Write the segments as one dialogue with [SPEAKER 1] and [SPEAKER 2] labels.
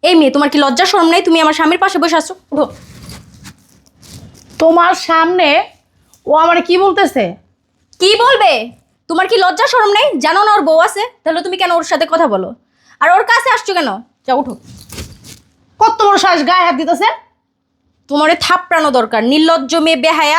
[SPEAKER 1] এই মেয়ে, তোমার কি লজ্জা শরম নাই? তুমি আমার স্বামীর পাশে বসে আছো, উঠো।
[SPEAKER 2] তোমার সামনে ও আমারে কি বলতেছে?
[SPEAKER 1] কি বলবে? তোমার কি লজ্জা শরম নাই? জানো না ওর বউ আছে? তাহলে তুমি কেন ওর সাথে কথা বলো? আর ওর কাছে আসছো কেন? যাও, উঠো।
[SPEAKER 2] কত বড় সাহস, গায়ে হাত দিতেছে!
[SPEAKER 1] তোমারে থাপড়ানো দরকার, নির্লজ্জ মেয়ে, বেহায়া।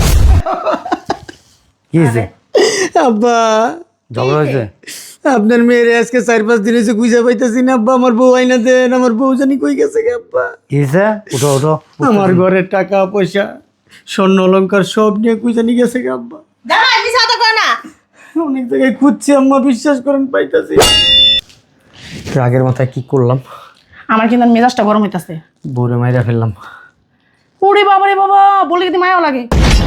[SPEAKER 3] কি হয়েছে?
[SPEAKER 4] আব্বা,
[SPEAKER 3] ঝগড়া হয়েছে?
[SPEAKER 4] আপনার মেয়ের আজকে 4-5 দিন হয়েছে খুঁজে পাইতেছি না আব্বা। আমার বউ আইনা দেন, আমার বউ জানি কই গেছে গে আব্বা।
[SPEAKER 3] কি হয়েছে? উঠো উঠো।
[SPEAKER 4] আমার ঘরের টাকা পয়সা স্বর্ণ অলংকার সব নিয়ে কই জানি গেছে গে আব্বা।
[SPEAKER 2] দাঁড়া, মিছা কথা কয় না।
[SPEAKER 4] অনেক জায়গায় খুঁজছি আম্মা, বিশ্বাস করেন পাইতাছি।
[SPEAKER 3] রাগের মাথায় কি করলাম?
[SPEAKER 2] আমার কিন্তু মেজাজটা গরম হইতাছে।
[SPEAKER 3] বউরে মাইরা ফেললাম।
[SPEAKER 2] ওরে বাবা রে বাবা, বলে কিন্তু মায়াও লাগে।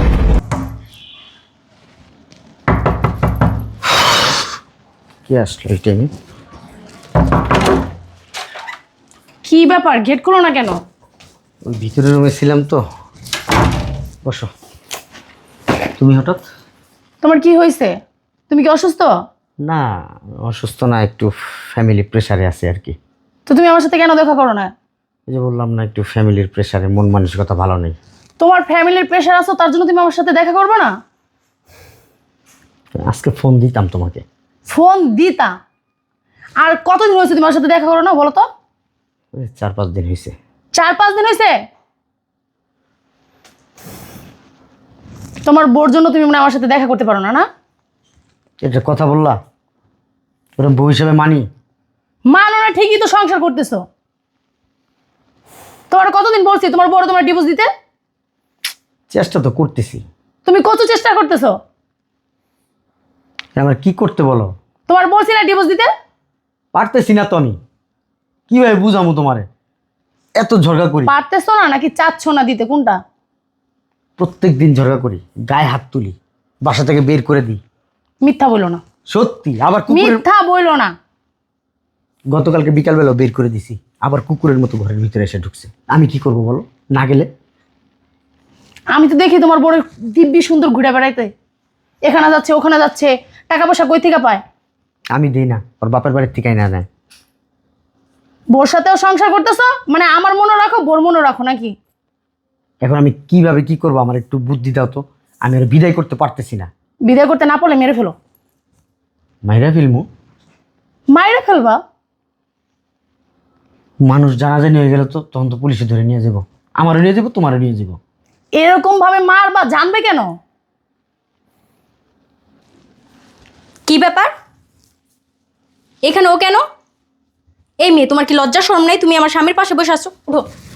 [SPEAKER 3] কি আসলো এই টাইমে?
[SPEAKER 2] কি ব্যাপার, গেট খুলো না কেন?
[SPEAKER 3] ওই ভিতরের রুমে ছিলাম তো। বসো। তুমি হঠাৎ?
[SPEAKER 2] তোমার কি হয়েছে? তুমি কি অসুস্থ?
[SPEAKER 3] না, অসুস্থ না, একটু ফ্যামিলি প্রেসারে আছে আর কি।
[SPEAKER 2] তো তুমি আমার সাথে কেন দেখা করো না?
[SPEAKER 3] এই যে বললাম না, একটু ফ্যামিলির প্রেসারে, মন মানসিকতা ভালো নেই।
[SPEAKER 2] তোমার ফ্যামিলির প্রেশার আছে, তার জন্য তুমি আমার সাথে দেখা করবে না?
[SPEAKER 3] আজকে ফোন দিতাম তোমাকে।
[SPEAKER 2] ফোন দিতা? আর কতদিন হয়েছে তুমি আমার সাথে দেখা করো না, বলো তো?
[SPEAKER 3] ওই 4-5 দিন হয়েছে।
[SPEAKER 2] 4-5 দিন হয়েছে? তোমার বোর জন্য তুমি মানে আমার সাথে দেখা করতে পারো না, না?
[SPEAKER 3] এটা কথা বললা? ওরকম বউ হিসেবে মানি?
[SPEAKER 2] মানো না ঠিকই তো, সংসার করতেছো। তোমার কতদিন বলছি তোমার বড় তোমার ডিভোর্স দিতে?
[SPEAKER 3] চেষ্টা তো করতেছি।
[SPEAKER 2] তুমি কত চেষ্টা করতেছো?
[SPEAKER 3] আমার কি করতে বলো?
[SPEAKER 2] তোমার বলছি না ডিভোর্স দিতে?
[SPEAKER 3] পারতেছি না তো আমি। কিভাবে বুঝামু তোমারে? এত ঝগড়া করি,
[SPEAKER 2] পারতেছো না নাকি চাচ্ছ না দিতে, কোনটা?
[SPEAKER 3] প্রত্যেক দিন ঝগড়া করি, গায়ে হাত তুলি, বাসা থেকে বের করে দিই।
[SPEAKER 2] মিথ্যা বইলো না,
[SPEAKER 3] সত্যি। আবার কুকুরের,
[SPEAKER 2] মিথ্যা বইলো না।
[SPEAKER 3] গতকালকে বিকালবেলাও বের করে দিছি, আবার কুকুরের মতো ঘরের ভিতরে এসে ঢুকছে। আমি কি করব বলো, না গেলে?
[SPEAKER 2] আমি তো দেখি তোমার বড় দিব্যি সুন্দর ঘুরে বেড়াইতে, এখানে যাচ্ছে ওখানে যাচ্ছে, টাকা পয়সা কই থেকে পায়?
[SPEAKER 3] আমি দিই না, ওর বাপের বাড়ির থেকে না নেয়।
[SPEAKER 2] বোর সাথেও সংসার করতেছো, মানে আমার মনে রাখো বোর মনে রাখো নাকি?
[SPEAKER 3] এখন আমি কিভাবে কি করবো, আমার একটু বুদ্ধি দাও তো। আমি আর বিদায় করতে পারতেছি না।
[SPEAKER 2] বিদায় করতে না পারলে মেরে ফেলো।
[SPEAKER 3] মাইরা ফিল্মু,
[SPEAKER 2] মাইরে ফেলবা?
[SPEAKER 3] মানুষ জানাজানি হয়ে গেল তো তখন তো পুলিশে ধরে নিয়ে যাবো। আমারও নিয়ে যাবো, তোমারও নিয়ে যাবো।
[SPEAKER 2] এরকম ভাবে মারবা, জানবে কেন?
[SPEAKER 1] কি ব্যাপার? এখানে ও কেন? এই মেয়ে, তোমার কি লজ্জা শরম নাই? তুমি আমার স্বামীর পাশে বসে আছো, উঠো।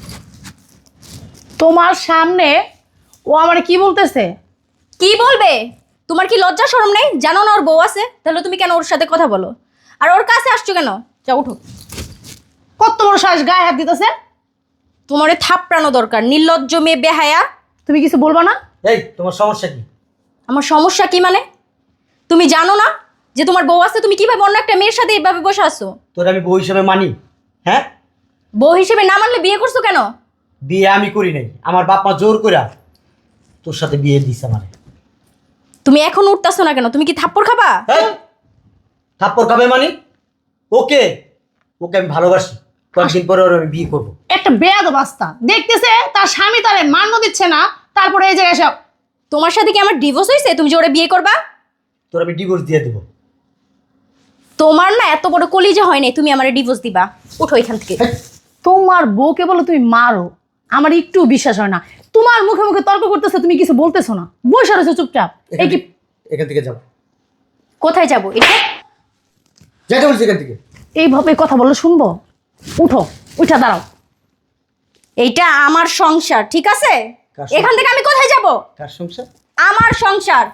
[SPEAKER 2] তোমার সামনে ও আমারে কি বলতেছে?
[SPEAKER 1] কি বলবে? তোমার কি লজ্জা শরম নাই? জানো না ওর বউ আছে? তাহলে তুমি কেন ওর সাথে কথা বলো? আর ওর কাছে আসছো কেন? যাও, উঠো।
[SPEAKER 2] কত বড় সাহস, গায়ে হাত দিতেছে!
[SPEAKER 1] তোমারে থাপড়ানো দরকার, নির্লজ্জ মেয়ে, বেহায়া।
[SPEAKER 2] তুমি কিছু বলবা না?
[SPEAKER 3] এই তোমার সমস্যা কি?
[SPEAKER 1] আমার সমস্যা কি মানে? তুমি জানো না যে তোমার বউ আছে? তুমি কিভাবে অন্য একটা মেয়ের সাথে এইভাবে বসে আছো?
[SPEAKER 3] তোর আমি বউ হিসেবে মানি? হ্যাঁ,
[SPEAKER 1] বউ হিসেবে না মানলে বিয়ে করছো কেন?
[SPEAKER 3] বিয়ে আমি করি নাই, আমার বাপ মা জোর করে তোর সাথে বিয়ে দিছে আমারে।
[SPEAKER 1] তুমি এখন উঠতেছো না কেন? তুমি কি থাপ্পড় খাবা?
[SPEAKER 3] হ্যাঁ, থাপ্পড় খাবে মানে? ওকে, ওকে আমি ভালোবাসি, কয়েকদিন পরে ওর আমি বিয়ে করবো।
[SPEAKER 2] একটা বেয়াদব বাস্তা, দেখতেছে তার স্বামী তারে মান্য দিচ্ছে না, তারপরে এই জায়গায় সব।
[SPEAKER 1] তোমার সাথে কি আমার ডিভোর্স হয়েছে? তুমি যে ওরা বিয়ে করবা?
[SPEAKER 3] তোর আমি ডিভোর্স দিয়ে দেবো।
[SPEAKER 1] তোমার না এত বড় কলিজা হয় নাই, তুমি আমার ডিভোর্স দিবা? উঠো এখান থেকে।
[SPEAKER 2] তোমার বউকে বলো তুমি মারো, আমার একটু বিশ্বাস হয় না। তোমার মুখে মুখে তর্ক করতেছে, তুমি কিছু বলতেছো না, বসে রয়েছো চুপচাপ। এই কি?
[SPEAKER 3] এখান থেকে যাও।
[SPEAKER 1] কোথায় যাবো? এটা
[SPEAKER 3] যাইতে বলছি এখান থেকে।
[SPEAKER 2] এইভাবে কথা বললে শুনবো? উঠো, উঠা দাঁড়াও।
[SPEAKER 1] এইটা আমার সংসার, ঠিক আছে?
[SPEAKER 3] কার সংসার?
[SPEAKER 1] এখান থেকে আমি কোথায় যাব?
[SPEAKER 3] কার সংসার?
[SPEAKER 1] আমার সংসার।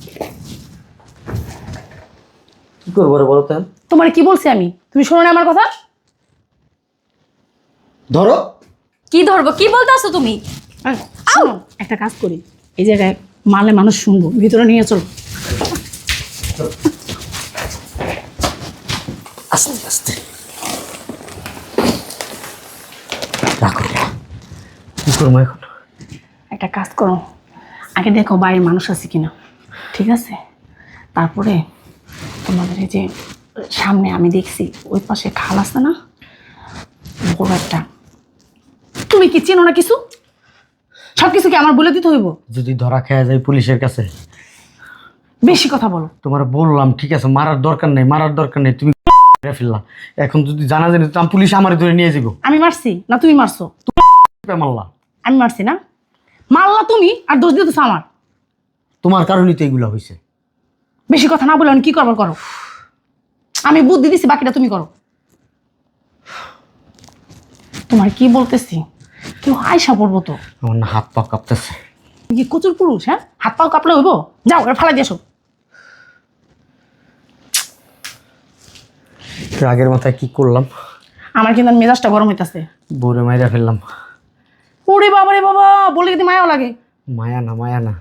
[SPEAKER 3] কি করবো রে বলো তো?
[SPEAKER 2] তোমার কি বলছি আমি, তুমি শোনো না আমার কথা?
[SPEAKER 3] ধরো।
[SPEAKER 1] কি ধরবো? কি বলতে আসো তুমি?
[SPEAKER 2] শোনো, একটা কাজ করি, এই জায়গায় মারলে মানুষ শুনবো, ভিতরে নিয়ে চলো।
[SPEAKER 3] আস্তে আস্তে রাখো। কি করবো এখন?
[SPEAKER 2] একটা কাজ করো, আগে দেখো বাইরের মানুষ আছে কিনা, ঠিক আছে? তারপরে তোমাদের এই যে সামনে আমি দেখছি ওই পাশে খাল আছে না, বড় একটা। তুমি কি চেনো না কিছু? সব কিছু কি আমার বলে দিতে হইব?
[SPEAKER 3] যদি ধরা খেয়ে যায় পুলিশের কাছে?
[SPEAKER 2] বেশি কথা বলো।
[SPEAKER 3] তোমার বললাম ঠিক আছে, মারার দরকার নেই, তুমি ফেললা। এখন যদি জানা যায় তো পুলিশ আমার ধরে নিয়ে যাবো।
[SPEAKER 2] আমি মারছি না তুমি মারছো?
[SPEAKER 3] মারলা
[SPEAKER 2] আমি মারছি না? মারলা তুমি, আর দোষ দিতেছো আমার।
[SPEAKER 3] তোমার কারণেই তো এগুলো হয়েছে।
[SPEAKER 2] বেশি কথা না বলে কি করবার করো। আমি বুদ্ধি দিছি, বাকিটা তুমি করো। তোমার কি বলতেছি, কেউ আয়সা পড়বো তো।
[SPEAKER 3] আমার না হাত পা কাঁপতেছে।
[SPEAKER 2] তুমি কি কচুর পুরুষ? হ্যাঁ, হাত পাও কাঁপলে হইব? যাও এটা ফালাই দিয়েছো।
[SPEAKER 3] রাগের মাথায় কি করলাম?
[SPEAKER 2] আমার কিন্তু মেজাজটা গরম হইতাছে।
[SPEAKER 3] বউরে মাইরা ফেললাম।
[SPEAKER 2] ওরে বাবা রে বাবা, বলে কিন্তু মায়াও লাগে।
[SPEAKER 3] মায়া না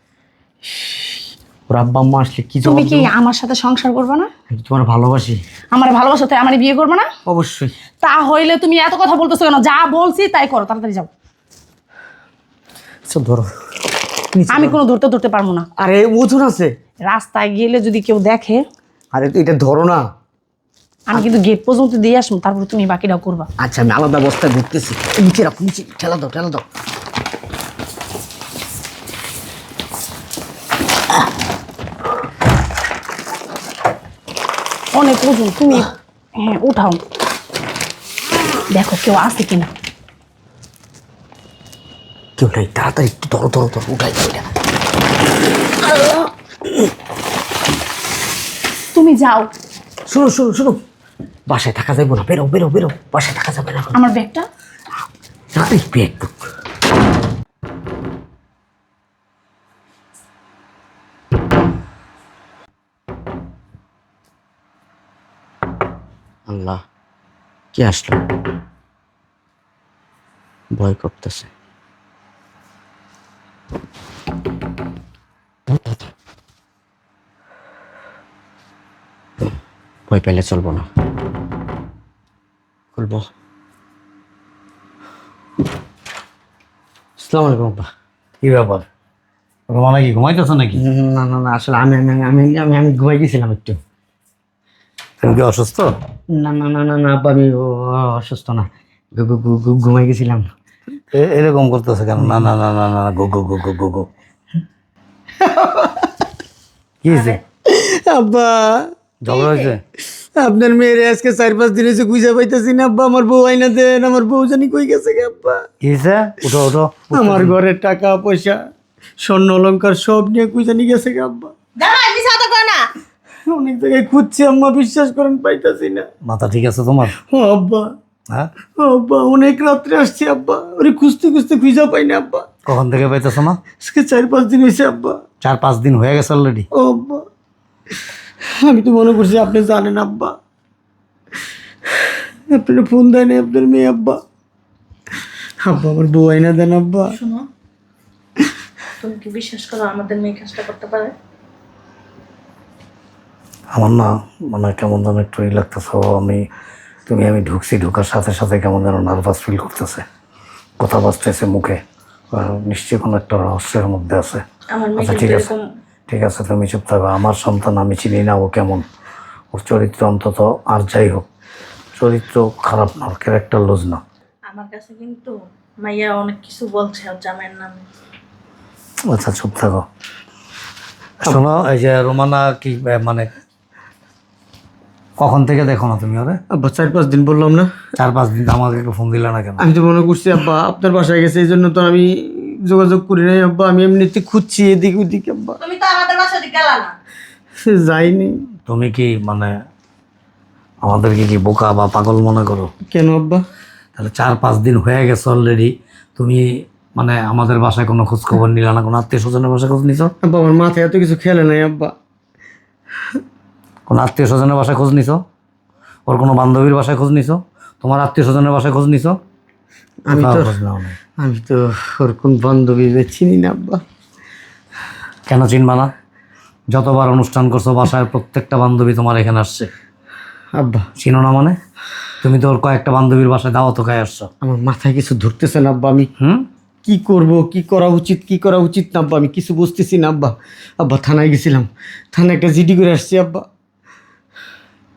[SPEAKER 3] ওর আব্বা আম্মা আসলে কি
[SPEAKER 2] তুমি
[SPEAKER 3] জবাব
[SPEAKER 2] কি
[SPEAKER 3] দেবো?
[SPEAKER 2] আমার সাথে সংসার করবে না?
[SPEAKER 3] আমি তোমার ভালোবাসি।
[SPEAKER 2] আমার ভালোবাসা তাই আমার বিয়ে করবে না?
[SPEAKER 3] অবশ্যই।
[SPEAKER 2] তা হইলে তুমি এত কথা বলতেছো কেন? যা বলছি তাই করো, তাড়াতাড়ি যাও।
[SPEAKER 3] আচ্ছা ধরো।
[SPEAKER 2] আমি কোনো ধরতে পারবো না।
[SPEAKER 3] আরে ওজন আছে।
[SPEAKER 2] রাস্তায় গেলে যদি কেউ দেখে,
[SPEAKER 3] আরে এটা ধরো না।
[SPEAKER 2] আমি কিন্তু গেট পর্যন্ত দিয়ে আসবো, তারপর তুমি বাকিটাও করবা।
[SPEAKER 3] আচ্ছা আমি আলাদা বস্তায় ঘুরতেছি। নিচে রাখো, নিচে ঠেলা দাও।
[SPEAKER 2] অনেক ওজন তুমি। হ্যাঁ উঠাও, দেখো কেউ আছে কিনা।
[SPEAKER 3] কেউ নাই, তাড়াতাড়ি একটু ধরো উঠাই দাও এটা।
[SPEAKER 2] তুমি যাও।
[SPEAKER 3] শুনো, বাসায় থাকা যাবে না। বেরো, বাসায় থাকা যাবে না।
[SPEAKER 2] আমার ব্যাগটা।
[SPEAKER 3] তাড়াতাড়ি ব্যাগ বুক। আল্লাহ, কে আসলো? ভয় করতেছে। ভয় পেলে চলবো না, খুলবো। আসসালামু আলাইকুম আব্বা।
[SPEAKER 4] কি ব্যাপার, রোমানা কি ঘুমাইতেছ নাকি?
[SPEAKER 3] না আসলে আমি ঘুমাই গেছিলাম একটু।
[SPEAKER 4] তুমি কি অসুস্থ?
[SPEAKER 3] না আব্বা, আমি অসুস্থ না, ঘুমাই গেছিলাম।
[SPEAKER 4] এরকম করতেছে কেন? না গো গো গো গো গো গো। কি হয়েছে?
[SPEAKER 3] আব্বা,
[SPEAKER 4] ঝগড়া হয়েছে?
[SPEAKER 3] আপনার মেয়ের আজকে 4-5 দিন হয়েছে খুঁজে পাইতেছি না আব্বা। আমার বউ আইনা দেন, আমার বউ জানি কই গেছে গে আব্বা।
[SPEAKER 4] কি হয়েছে? উঠো।
[SPEAKER 3] আমার ঘরের টাকা পয়সা স্বর্ণ অলংকার সব নিয়ে কই জানি গেছে গে আব্বা। অনেক জায়গায় খুঁজছি আম্মা, বিশ্বাস করেন পাইতাছি না।
[SPEAKER 4] মাথা ঠিক আছে তোমার?
[SPEAKER 3] ও আব্বা,
[SPEAKER 4] হ্যাঁ,
[SPEAKER 3] আব্বা অনেক রাত্রে আসছি আব্বা, ওরে খুঁজতে খুঁজা পাই না আব্বা।
[SPEAKER 4] কখন থেকে পাইতেছো না?
[SPEAKER 3] আজকে 4-5 দিন হয়েছে আব্বা।
[SPEAKER 4] 4-5 দিন হয়ে গেছে অলরেডি?
[SPEAKER 3] ও আব্বা, আমি তো মনে করছি আপনি জানেন আব্বা। আপনার ফোন দেয় না আপনার মেয়ে আব্বা। আমার বউ আইনা দেন আব্বা।
[SPEAKER 2] শোনো, তুমি কি বিশ্বাস করো আমাদের মেয়ে কাজটা করতে পারে?
[SPEAKER 4] আমার না মানে কেমন যেন একটু ই লাগতেছে। আমি ঢুকছি, ঢোকার সাথে সাথে কেমন যেন নার্ভাস ফিল করতেছে। কথা বাজতেছে মুখে, নিশ্চয়ই কোনো একটা রহস্যের মধ্যে আছে। আচ্ছা ঠিক আছে তুমি চুপ থাকো। আমার সন্তান, আমি চিনি না ও কেমন, ওর চরিত্র অন্তত আর যাই হোক, চরিত্র খারাপ না, ক্যারেক্টার লুজ না।
[SPEAKER 5] আমার কাছে কিন্তু মাইয়া অনেক কিছু বলছে ওর জামাইয়ের নামে।
[SPEAKER 4] আচ্ছা চুপ থাকো। শোনো, এই যে রোমানা কি মানে কখন থেকে দেখো না তুমি ওরে?
[SPEAKER 3] আব্বা 4-5 দিন বললাম না।
[SPEAKER 4] 4-5 দিন আমাকে একটু ফোন দিলে না কেন?
[SPEAKER 3] আমি তো মনে করছি আব্বা আপনার বাসায় গেছে, এই জন্য তো আমি যোগাযোগ করি নাই আব্বা। আমি এমনিতে খুঁজছি এদিক ওদিক আব্বা,
[SPEAKER 5] তুমি তো আমাদের বাসা দিকে গেলা না।
[SPEAKER 3] যাইনি।
[SPEAKER 4] তুমি কি মানে আমাদেরকে কি বোকা বা পাগল মনে করো?
[SPEAKER 3] কেন আব্বা?
[SPEAKER 4] তাহলে 4-5 দিন হয়ে গেছে অলরেডি, তুমি মানে আমাদের বাসায় কোনো খোঁজ খবর নিলা না? কোনো আত্মীয় স্বজনের বাসায় খোঁজ নিছো?
[SPEAKER 3] আব্বা আমার মাথায় এত কিছু খেলে নাই আব্বা।
[SPEAKER 4] কোনো আত্মীয় স্বজনের বাসায় খোঁজ নিছো? ওর কোনো বান্ধবীর বাসায় খোঁজ নিছো? তোমার আত্মীয় স্বজনের বাসায় খোঁজ নিছো?
[SPEAKER 3] আমি তো
[SPEAKER 4] কোথাও খোঁজ নাও নাই।
[SPEAKER 3] আমি তো ওর কোন বান্ধবী চিনি না আব্বা।
[SPEAKER 4] কেন চিনবা না? যতবার অনুষ্ঠান করছো বাসায় প্রত্যেকটা বান্ধবী তোমার এখানে আসছে,
[SPEAKER 3] আব্বা
[SPEAKER 4] চিনো না মানে? তুমি তো ওর কয়েকটা বান্ধবীর বাসায় দাওয়াত খায় আসছো।
[SPEAKER 3] আমার মাথায় কিছু ধরতেছে না আব্বা। আমি
[SPEAKER 4] হুম,
[SPEAKER 3] কি করব, কি করা উচিত না আব্বা, আমি কিছু বুঝতেছি না আব্বা। আব্বা থানায় গেছিলাম, থানায় একটা জিডি করে আসছি আব্বা।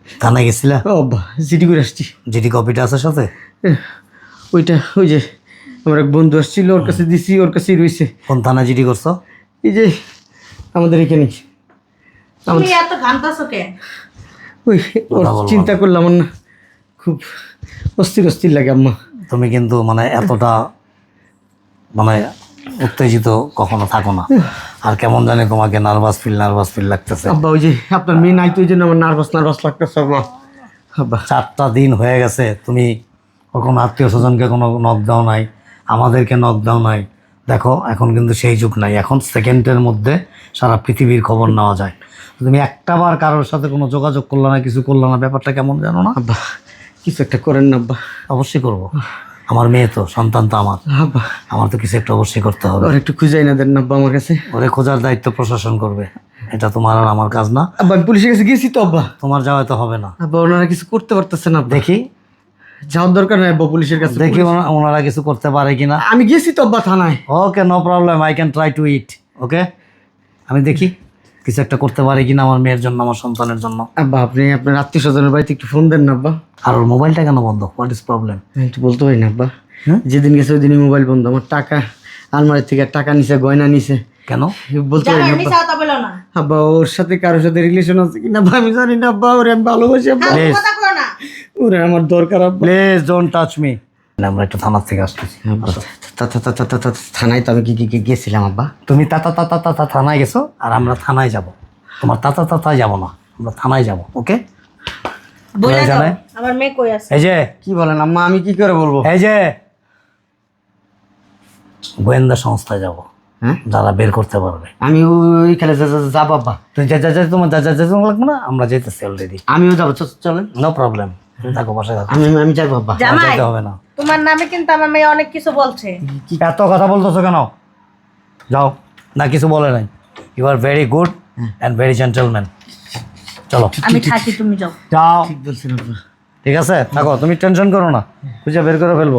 [SPEAKER 3] থানায় গেছিলা?
[SPEAKER 6] ও আব্বা জিডি করে আসছি।
[SPEAKER 3] জিডি কপিটা আছে সাথে?
[SPEAKER 6] ওইটা ওই যে আমার এক বন্ধু আসছিল, ওর কাছে দিছি, ওর কাছেই রয়েছে।
[SPEAKER 3] কোন থানায় জিডি করছো?
[SPEAKER 6] এই যে আমাদের এখানে।
[SPEAKER 5] তুমি এত ঘামতাছো কে?
[SPEAKER 6] ওই ওর
[SPEAKER 3] কথা বলবো
[SPEAKER 6] চিন্তা করলাম, আমার না খুব অস্থির অস্থির লাগে আম্মা।
[SPEAKER 3] তুমি কিন্তু মানে এতটা মানে উত্তেজিত কখনো থাকো না। আর কেমন জানি তোমাকে নার্ভাস ফিল লাগতেছে।
[SPEAKER 6] আব্বা ওই যে আপনার মেয়ে নাই তো, ওই জন্য আমার নার্ভাস লাগতেছে আব্বা। আব্বা
[SPEAKER 3] 4টা দিন হয়ে গেছে, তুমি ওর কোনো আত্মীয় স্বজনকে কোনো নক দাও নাই, আমাদেরকে নক দাও নাই। দেখো এখন কিন্তু সেই যুগ নাই, এখন সেকেন্ডের মধ্যে সারা পৃথিবীর খবর নেওয়া যায়। তুমি একটাবার কারোর সাথে কোনো যোগাযোগ করলে না, কিছু করলে না, ব্যাপারটা কেমন জানো না?
[SPEAKER 6] আব্বা কিছু একটা করেন না আব্বা।
[SPEAKER 3] অবশ্যই করব, আমার মেয়ে তো, সন্তান তো আমার,
[SPEAKER 6] আব্বা
[SPEAKER 3] আমার তো কিছু একটা অবশ্যই করতে হবে।
[SPEAKER 6] ওর একটু খুঁজাই না দেন না আব্বা আমার কাছে।
[SPEAKER 3] ওরে খোঁজার দায়িত্ব প্রশাসন করবে, এটা তোমার আর আমার কাজ না।
[SPEAKER 6] আব্বা আমি পুলিশের কাছে গেছি তো আব্বা।
[SPEAKER 3] তোমার যাওয়া তো হবে না।
[SPEAKER 6] আব্বা ওনারা কিছু করতে পারতেছে না আব্বা।
[SPEAKER 3] দেখি
[SPEAKER 6] যাওয়ার দরকার নাই আব্বা পুলিশের কাছে।
[SPEAKER 3] দেখি ওনারা কিছু করতে পারে কিনা।
[SPEAKER 6] আমি গেছি তো আব্বা থানায়।
[SPEAKER 3] Okay, no problem, I can try to it. Okay, আমি দেখি কিছু একটা করতে পারি কিনা আমার মেয়ের জন্য, আমার সন্তানের জন্য।
[SPEAKER 6] আব্বা আপনি আপনার আত্মীয় স্বজনের বাড়িতে একটু ফোন দেন না আব্বা।
[SPEAKER 3] আর ওর মোবাইলটা কেন বন্ধ? What is problem?
[SPEAKER 6] আমি একটু বলতে পারি না আব্বা।
[SPEAKER 3] হ্যাঁ?
[SPEAKER 6] যেদিন গেছে ওই দিনই মোবাইল বন্ধ। আমার টাকা আলমারি থেকে টাকা নিছে, গয়না নিছে,
[SPEAKER 3] কেন?
[SPEAKER 6] বলতে পারি না
[SPEAKER 5] জামাই
[SPEAKER 6] আব্বা।
[SPEAKER 5] মিছা কথা বলো না।
[SPEAKER 6] আব্বা ওর সাথে কারোর সাথে রিলেশন আছে কিনা আব্বা আমি জানি না আব্বা। ওরে আমি ভালোবাসি আব্বা।
[SPEAKER 5] ফালতু
[SPEAKER 3] Please.
[SPEAKER 5] কথা কও না।
[SPEAKER 6] ওরে আমার দরকার আব্বা।
[SPEAKER 3] Please don't touch me. আমরা একটু থানার থেকে আসতেছি।
[SPEAKER 6] থানায় তো আমি গেছিলাম আব্বা।
[SPEAKER 3] তুমি তাতা থানায় গেছো, আর আমরা থানায় যাব। তোমার তাতায় যাব না, আমরা থানায় যাব। ওকে,
[SPEAKER 5] বলে দাও
[SPEAKER 3] জানে?
[SPEAKER 5] আমার মেয়ে কই আছে।
[SPEAKER 3] এই যে
[SPEAKER 6] কি বলেন আম্মা, আমি কি করে বলবো?
[SPEAKER 3] এই যে গোয়েন্দা সংস্থায় যাব,
[SPEAKER 6] হ্যাঁ
[SPEAKER 3] যারা বের করতে পারবে।
[SPEAKER 6] আমি ওইখানে যাবো আব্বা।
[SPEAKER 3] তুমি তোমার লাগবে না, আমরা যেতেছি অলরেডি।
[SPEAKER 6] আমিও যাবো, চলেন।
[SPEAKER 3] নো প্রবলেম, থাকো, বাসায় থাকো।
[SPEAKER 6] আমি আমি যাবো আব্বা।
[SPEAKER 5] জামাই
[SPEAKER 3] যেতে হবে না।
[SPEAKER 5] তোমার নামে কিন্তু আমার মেয়ে অনেক কিছু বলছে।
[SPEAKER 3] এত কথা বলতেছো কেন? যাও না, কিছু বলে নাই। You are very good and very gentleman. চলো
[SPEAKER 5] আমি থাকি, তুমি যাও।
[SPEAKER 3] যাও,
[SPEAKER 6] ঠিক বলছেন আব্বা।
[SPEAKER 3] ঠিক আছে, থাকো, তুমি টেনশন করো না, খুঁজে বের করে ফেলবো।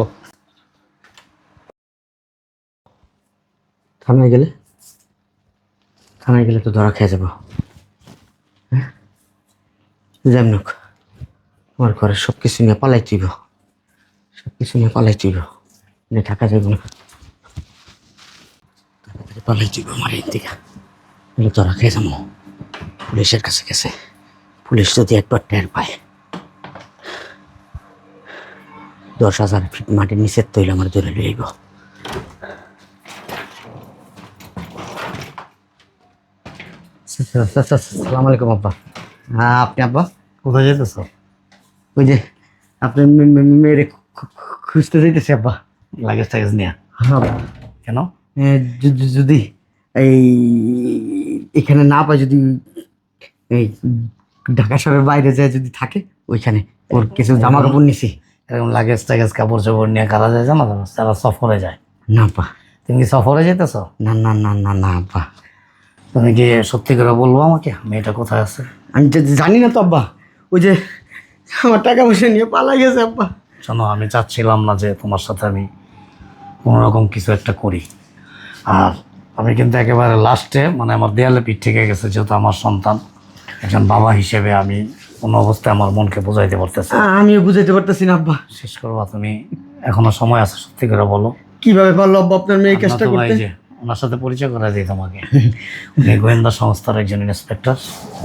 [SPEAKER 6] থানায় গেলে তো ধরা খেয়ে যাবো। হ্যাঁ যেমন হোক, আমার ঘরে সব কিছু নিয়ে পালাই তুইব, নিয়ে থাকা যাবে না। তাড়াতাড়ি পালাই তুইব আমার এই দিকে, বলে ধরা খেয়ে যাবো। পুলিশের কাছে গেছে, পুলিশ যদি একবার টের পায়, 10,000 ফিট মাটির নিচের তৈল আমার ধরে লইব। সালাম আলাইকুম আব্বা। হ্যাঁ আপনি আব্বা?
[SPEAKER 3] কোথায় যেতেছো?
[SPEAKER 6] ওই যে আপনি মেয়েরে খুঁজতে যাইতেছে আব্বা।
[SPEAKER 3] লাগেজ টাগেজ নিয়ে?
[SPEAKER 6] হ্যাঁ
[SPEAKER 3] কেন?
[SPEAKER 6] যদি এই এখানে না পাই, যদি এই ঢাকা শহরের বাইরে যায় যদি থাকে, ওইখানে ওর কিছু জামা কাপড় নিছি।
[SPEAKER 3] এরকম লাগেজ টাগেজ কাপড় চোপড় নিয়ে কারা যায় জানো? তারা সফরে যায়।
[SPEAKER 6] না আব্বা,
[SPEAKER 3] তুমি কি সফরে যেতেছো?
[SPEAKER 6] না না না না না আব্বা।
[SPEAKER 3] তুমি কি সত্যি করে বলবো আমাকে মেয়েটা কোথায় আছে?
[SPEAKER 6] আমি জানি না তো আব্বা। ওই যে আমার টাকা পয়সা নিয়ে পালাই গেছে আব্বা।
[SPEAKER 3] শোনো, আমি চাচ্ছিলাম না যে তোমার সাথে আমি কোনোরকম কিছু একটা করি। আর আমি কিন্তু একেবারে লাস্টে মানে আমার দেয়ালে পিঠ থেকে গেছে, যেহেতু আমার সন্তান, একজন বাবা হিসেবে আমি কোনো অবস্থায় আমার মনকে বোঝাইতে পারতেছি না।
[SPEAKER 6] আমিও বুঝাইতে পারতেছি না আব্বা।
[SPEAKER 3] শেষ করবা তুমি, এখনো সময় আছে, সত্যি করে বলো।
[SPEAKER 6] কিভাবে পারলো আব্বা আপনার মেয়ে এই কাজটা
[SPEAKER 3] আমরা তো ভাই
[SPEAKER 6] করতে?
[SPEAKER 3] যে ওনার সাথে পরিচয় করে দিই তোমাকে। উনি গোয়েন্দা সংস্থার একজন ইন্সপেক্টর।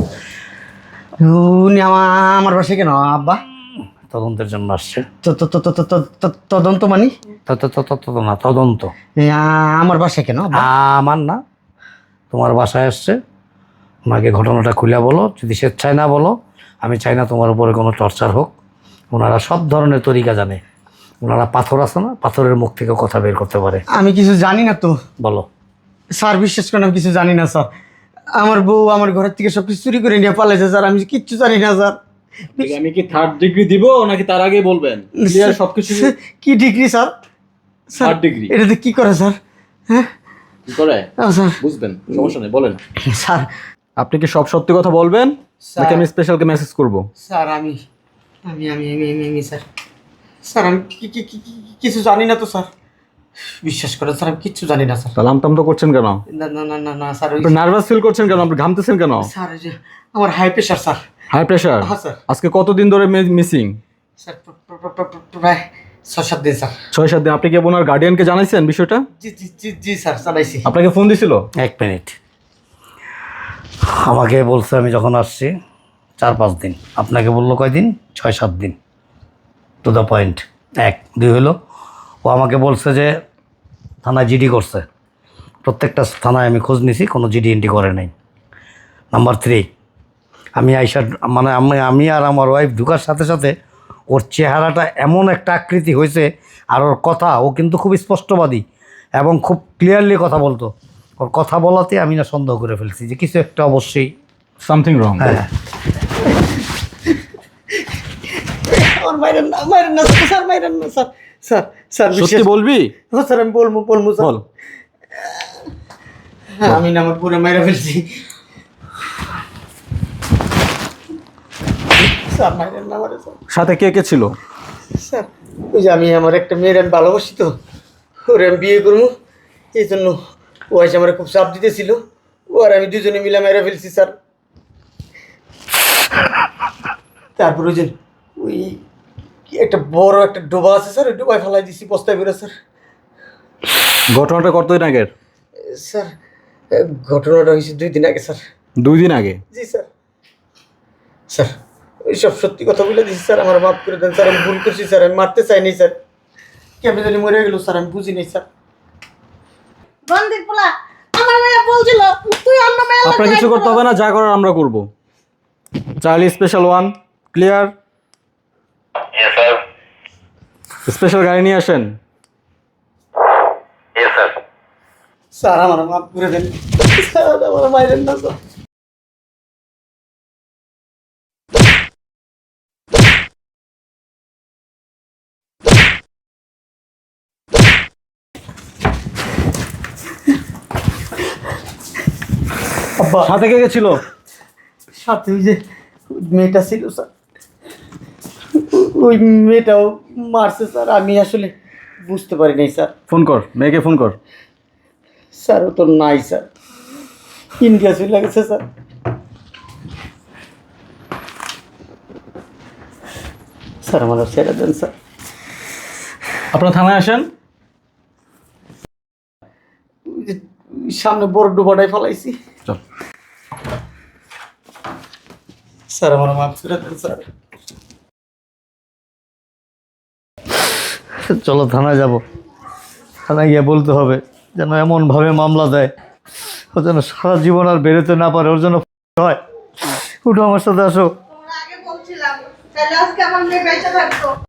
[SPEAKER 6] উনি আমার বাসায় কেন আব্বা?
[SPEAKER 3] তদন্তের জন্য আসছে।
[SPEAKER 6] তদন্ত মানি?
[SPEAKER 3] না, তদন্ত।
[SPEAKER 6] আমার বাসায় কেন আব্বা?
[SPEAKER 3] আমার না, তোমার বাসায় আসছে। ওনাকে ঘটনাটা খুলে বলো, যদি স্বেচ্ছায় না বলো, আমি চাই না তোমার উপরে কোনো টর্চার হোক। ওনারা সব ধরনের তরিকা জানে। ওনারা পাথর আছে না, পাথরের মুখ থেকে কথা বের করতে পারে।
[SPEAKER 6] আমি কিছু জানি না তো।
[SPEAKER 3] বলো।
[SPEAKER 6] স্যার বিশ্বাস করেন, আমি কিছু জানি না স্যার। আমার বউ আমার ঘরের থেকে সব কিছু চুরি করে নিয়ে পালাইছে স্যার, আমি কিচ্ছু জানি না স্যার।
[SPEAKER 7] আমি কি 3rd ডিগ্রি দিব নাকি তার আগে বলবেন? ক্লিয়ার সবকিছু।
[SPEAKER 6] কি degree sir? Sir
[SPEAKER 7] 3rd degree
[SPEAKER 6] এটাতে কি করে স্যার? হ্যাঁ
[SPEAKER 7] কি করে
[SPEAKER 6] স্যার।
[SPEAKER 7] বুঝবেন, সমস্যা নেই, বলেন।
[SPEAKER 6] স্যার
[SPEAKER 7] আপনি কি সব সত্যি কথা বলবেন নাকি আমি স্পেশালকে মেসেজ করব?
[SPEAKER 6] স্যার আমি আমি আমি আমি আমি আমি স্যার স্যার আমি কিছু জানি না তো স্যার। বিশ্বাস করেন স্যার, আমি কিচ্ছু জানি না স্যার।
[SPEAKER 7] তাহলে আমতাম তো করছেন কেন?
[SPEAKER 6] না না না না না স্যার,
[SPEAKER 7] আপনি নার্ভাস ফিল করছেন কেন? আপনি ঘামতেছেন কেন?
[SPEAKER 6] স্যার ওই যে আমার high pressure sir.
[SPEAKER 7] High pressure?
[SPEAKER 6] হ্যাঁ, স্যার।
[SPEAKER 7] আজকে কতদিন ধরে মিসিং?
[SPEAKER 6] স্যার প্রায় 6-7 দিন স্যার।
[SPEAKER 7] 6-7 দিন। আপনি কি ওনার গার্ডিয়ানকে জানাইছেন বিষয়টা?
[SPEAKER 6] জি স্যার, জানাইছি।
[SPEAKER 7] আপনাকে ফোন দিছিল?
[SPEAKER 3] 1 মিনিট। আমাকে বলছে আমি যখন আসছি 4-5 দিন, আপনাকে বললো কয়দিন? 6-7 দিন। To the point. 1-2 হলো ও আমাকে বলছে যে থানায় জিডি করছে। প্রত্যেকটা থানায় আমি খোঁজ নিছি, কোনো জিডি এন্ট্রি করে নাই। নাম্বার 3, আমি আইসা মানে আমি আর আমার ওয়াইফ ঢুকার সাথে সাথে ওর চেহারাটা এমন একটা আকৃতি হয়েছে, আর ওর কথা, ও কিন্তু খুব স্পষ্টবাদী এবং খুব ক্লিয়ারলি কথা বলতো। ওর কথা বলাতে আমি না সন্দেহ করে ফেলছি যে কিছু একটা অবশ্যই।
[SPEAKER 7] Something wrong.
[SPEAKER 3] হ্যাঁ,
[SPEAKER 6] আমার মাইরেন না স্যার, মাইরেন না স্যার। স্যার স্যার
[SPEAKER 7] সত্যি বলবি?
[SPEAKER 6] হ্যাঁ স্যার, আমি বলবো স্যার।
[SPEAKER 7] বল।
[SPEAKER 6] হ্যাঁ, আমি না আমার পুরো মাইরা ফেলছি। স্যার মাইরেন না আমারে স্যার।
[SPEAKER 7] সাথে কে কে ছিল?
[SPEAKER 6] স্যার ওই যে আমি আমার একটা মেয়ের আমি ভালোবাসি, তো ওরে আমি বিয়ে করবো, এই জন্য ও এসে আমার খুব চাপ দিতেছিল। ও আর আমি দুজনে মিলে মেরে ফেলছি স্যার। তারপর ওই যে ওই কি একটা বড় একটা ডোবা আছে স্যার, ওই ডোবায় ফেলাই দিছি বস্তায় করে স্যার।
[SPEAKER 7] ঘটনাটা কতদিন আগের?
[SPEAKER 6] স্যার ঘটনাটা হয়েছে 2 দিন আগে স্যার।
[SPEAKER 7] 2 দিন আগে?
[SPEAKER 6] জি স্যার। স্যার ওই সব সত্যি কথা বলে দিচ্ছি স্যার, আমার মাফ করে দেন স্যার, আমি ভুল করছি স্যার, আমি মারতে চাইনি স্যার। কেমন জানি মরে গেল স্যার, আমি বুঝি নাই স্যার।
[SPEAKER 5] বন্দির পোলা আমার মেয়ে বলছিল তুই অন্য মেয়ে
[SPEAKER 7] আপনার কিছু করতে হবে না, যা করার আমরা করব। Charlie special 1 clear? স্পেশাল গাড়ি নিয়ে আসেন।
[SPEAKER 6] স্যার আমার মাফ করে দেন স্যার, আমার মাইরেন না স্যার। আব্বা,
[SPEAKER 7] সাথে কে কে ছিল?
[SPEAKER 6] সাথে ওই যে মেয়েটা ছিল স্যার, ওই মেয়েটাও মারছে স্যার, আমি আসলে বুঝতে পারি নাই স্যার।
[SPEAKER 7] ফোন কর, মেয়েকে ফোন কর।
[SPEAKER 6] স্যার ও তো নাই স্যার, ইন্ডিয়া চলে গেছে স্যার। স্যার আমার ছেড়ে দেন স্যার।
[SPEAKER 7] আপনার থানায় আসেন।
[SPEAKER 6] ওই যে সামনে বড় ডুবাটাই ফেলাইছি।
[SPEAKER 7] চল।
[SPEAKER 6] স্যার আমার মাফ করে দেন স্যার।
[SPEAKER 3] চলো থানায় যাব। থানায় গিয়ে বলতে হবে যেন এমনভাবে মামলা দেয় ও যেন সারা জীবন আর বেরোতে না পারে, ওর জন্য হয়। উঠো আমার সাথে আসো।
[SPEAKER 5] আগে বলছিলাম তাহলে আজকে আমার মেয়ে বেঁচে থাকতো।